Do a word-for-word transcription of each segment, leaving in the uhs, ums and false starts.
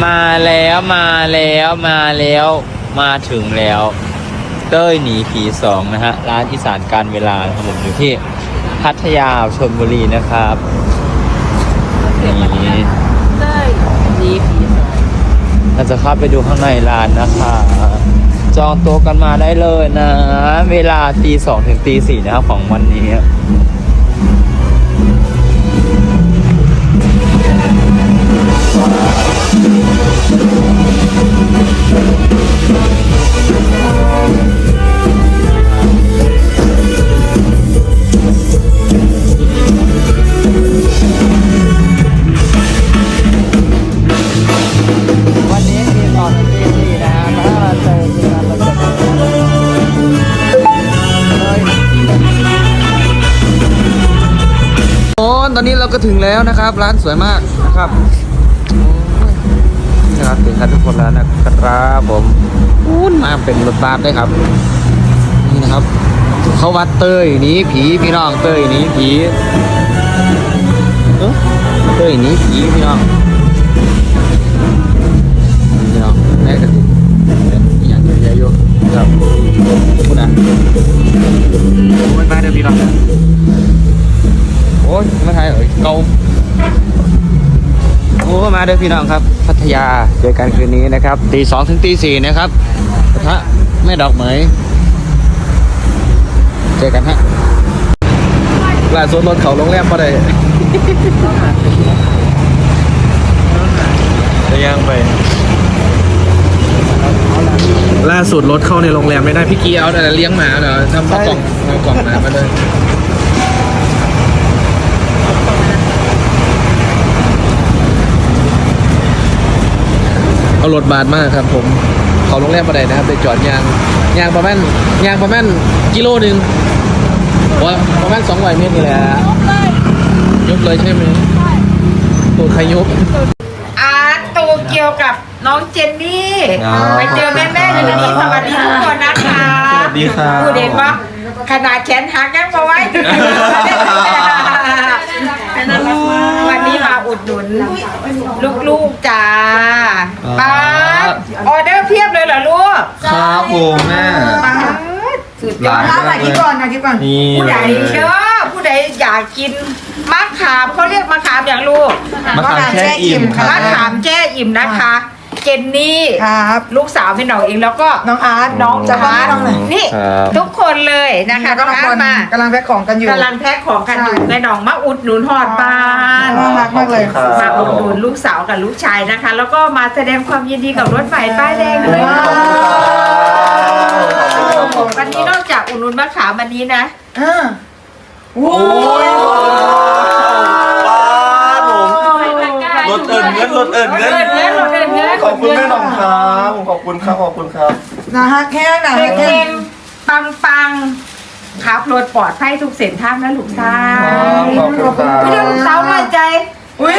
มาแล้วมาแล้วมาแล้วมาถึงแล้วเต้ยหนีผีสองนะฮะร้านอีสานการเวลาครับผมอยู่ที่พัทยาชลบุรีนะครับนี่เต้ยหนีผีสองเราจะเข้าไปดูข้างในร้านนะคะจองโต๊ะกันมาได้เลยนะเวลาตีสองถึงตีสี่นะครับของวันนี้วันนี้ตีสองถึงตีสี่นะฮะถ้าเราเจอที่ร้านเราจะโอ้ตอนนี้เราก็ถึงแล้วนะครับร้านสวยมากนะครับนี่นะครับถึงกันทุกคนแล้วนะครับผมอู้นมาเป็นรถบัสได้ครับนี่นะครับเขาวัดเต้ยหนีผีพี่น้องเต้ยหนีผีเอ้อเต้ยหนีผีพี่น้องพี่น้องแม่กระติกอย่างเยอะๆอยู่ครับพูดนะโอ้ยมาเดี๋ยวพี่น้องโอ้ยมาไทยเอ้ยเกาโอ้มาเด้อพี่น้องครับพัทยาเจอกันคืนนี้นะครับตีสองถึงตีสี่นะครับกระทะแม่ดอกเหมยเจอกันฮะล่าสุดรถเขาโรงแรมมาเลยจะย่างไปล่าสุดรถเข้าในโรงแรมไม่ได้พี่กี้เอาแต่เลี้ยงหมาเดี๋ยวทำข้าวกล่องเอากล่องหมามาเลยเอารถบาดมากครับผมเขาโรงแรมมาได้นะครับไปจอดยางยางประมาณยางประมาณกิโลหนึ่งว่าประมาณสองร้อยเมตรนี่แหละยกเลยใช่ไหมตัวใครยกอาร์ตโตเกียวกับน้องเจนนี่ไปเจอแม่แม่อยู่ในนี้สวัสดีทุกคนนะคะสวัสดีค่ะพูดเห็นปะขนาดแขนหักยังมาไว้วันนี้มาอุดหนุนลูกๆจ้าป้าออเดอร์เพียบเลยเหรอลูกครับผมแม่สุดยอดถ่ายคลิปก่อนถ่ายคลิปก่อนผู้ใดเด้อผู้ใดอยากกินมะขามเขาเรียกมะขามอย่างลูกมะขามแช่อิ่มมะขามแช่อิ่มนะคะเจนนี่ครับลูกสาวพี่น้องเองแล้วก็น้องอาร์ตน้องอาร์ตนี่ทุกคนเลยนะคะน้องอาร์ตมากำลังแพ็คของกันอยู่กำลังแพ็คของกันอยู่แม่น้องมาอุดหนุนหอดบ้านน่ารักมากเลยมาอุดหนุนลูกสาวกับลูกชายนะคะแล้วก็มาแสดงความยินดีกับรถไฟป้ายแดงด้วยวันนี้นอกจากอุดหนุนมะขามวันนี้นะโอ้ยรถเอิญเงินรถเอิญเงินขอบคุณแม่หน่องครับผมขอบคุณครับขอบคุณครับนะฮะแค่ไหนแค่ปังปังขับรถปลอดภัยทุกเส้นทางนะลูกสาวขอบคุณครับพี่ลูกสาวมาใจอุ้ย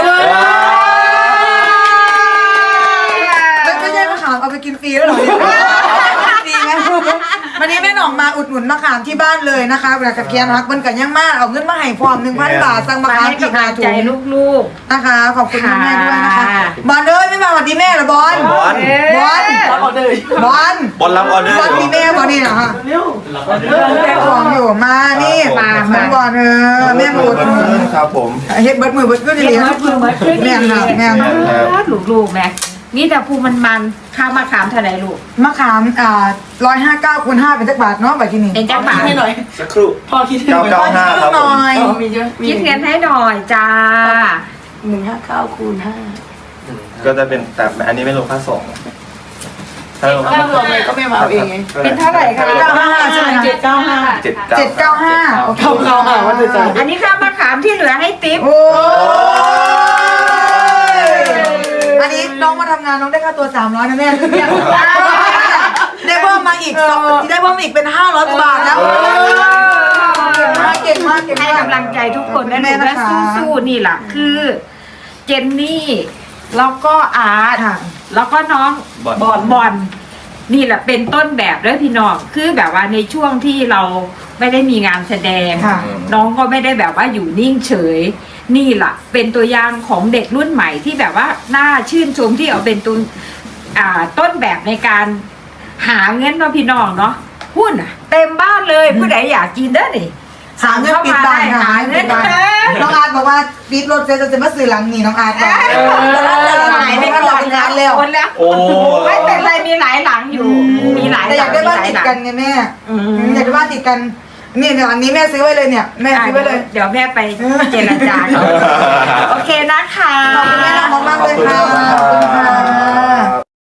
ไม่ใช่มะขามเอาไปกินฟรีแล้วหรอดีไหมวันนี้แม่หน่องมาอุดหนุนมะขามที่บ้านเลยนะคะเวลากระเกียนรักมันกันยังมากเอาเงินมาให้พร้อมหนึ่งพันบาทสั่งมะขามกี่กาถุงลูกๆนะคะขอบคุณแม่ด้วยนะคะบอลเลยไม่มาสวัสดีแม่หรอบอลบอลบอลบอลบอลบอลรับออเดอร์บอลมีแม่บอลนี่เหรอคะแม่ของอยู่มานี่มามาบอลเออแม่บุญครับผมเฮ็ดเบิร์ดมือเบิร์ดขึ้นเลยแม่ค่ะแม่ลูกๆแม่นี่แต่ภูมันมันข้าวมะขามเท่าไหร่ลูกมะขามอ่าร้อยห้าเก้าคูณห้าเป็นจักบาทเนาะแบบที่นี่เป็นจักบาทให้หน่อยสักครู่พอคิดเก้าเก้าห้าครับผมคิดเงินให้หน่อยจ้าหนึ่งห้าเก้าคูณห้าก็จะเป็นแต่อันนี้ไม่รวมค่าส่งถ้ารวมเลยก็ไม่มาเอาเองไงเป็นเท่าไหร่คะเก้าห้าใช่ไหมเจ็ดเก้าห้าเจ็ดเจ็ดเก้าห้าเก้าเก้าห้าวันเดือนอันนี้ข้าวมะขามที่เหลือให้ติ๊บอันนี้น้องมาทำงานน้องได้ค่าตัวสามร้อยนะแม่ได้เพิ่มมาอีกได้เพิ่มอีกเป็นห้าร้อยกว่าบาทแล้วเก่งมากเก่งมากให้กำลังใจทุกคนนะลูกและสู้ๆนี่แหละคือเจนนี่แล้วก็อาร์ตแล้วก็น้องบอลบอลนี่แหละเป็นต้นแบบด้วยพี่น้องคือแบบว่าในช่วงที่เราไม่ได้มีงานแสดงน้องก็ไม่ได้แบบว่าอยู่นิ่งเฉยนี่ล่ะ เป็นตัวอย่างของเด็กรุ่นใหม่ที่แบบว่าน่าชื่นชมที่เอาเป็นตัวอ่าต้นแบบในการหาเงินเนาะพี่น้องเนาะหุ้นอ่ะ เต็มบ้านเลยผู้ใดอยากกินเด้อนี่หาเงินปิดบ้านหาเงินปิดบ้านน้องอาร์ตบอกว่าปิดรถเสร็จจะมาซื้อหลังนี่น้องอาร์ตบอกหายไปก่อนแล้วคนแล้วโอ้ไม่เป็นไรมีหลายหลังอยู่ มีหลายแต่หอลัยาง กได้บ้านติดกันไงแม่อยากได้บ้านติดกันนี่หลังนี้แม่ซื้อไว้เลยเนี่ยแม่ซื้อไว้เลยเดี๋ยวแม่ไปเจรจาเขาโอเคนะคะขอบคุณแม่น้องมากๆเลยค่ะขอบคุณค่ะ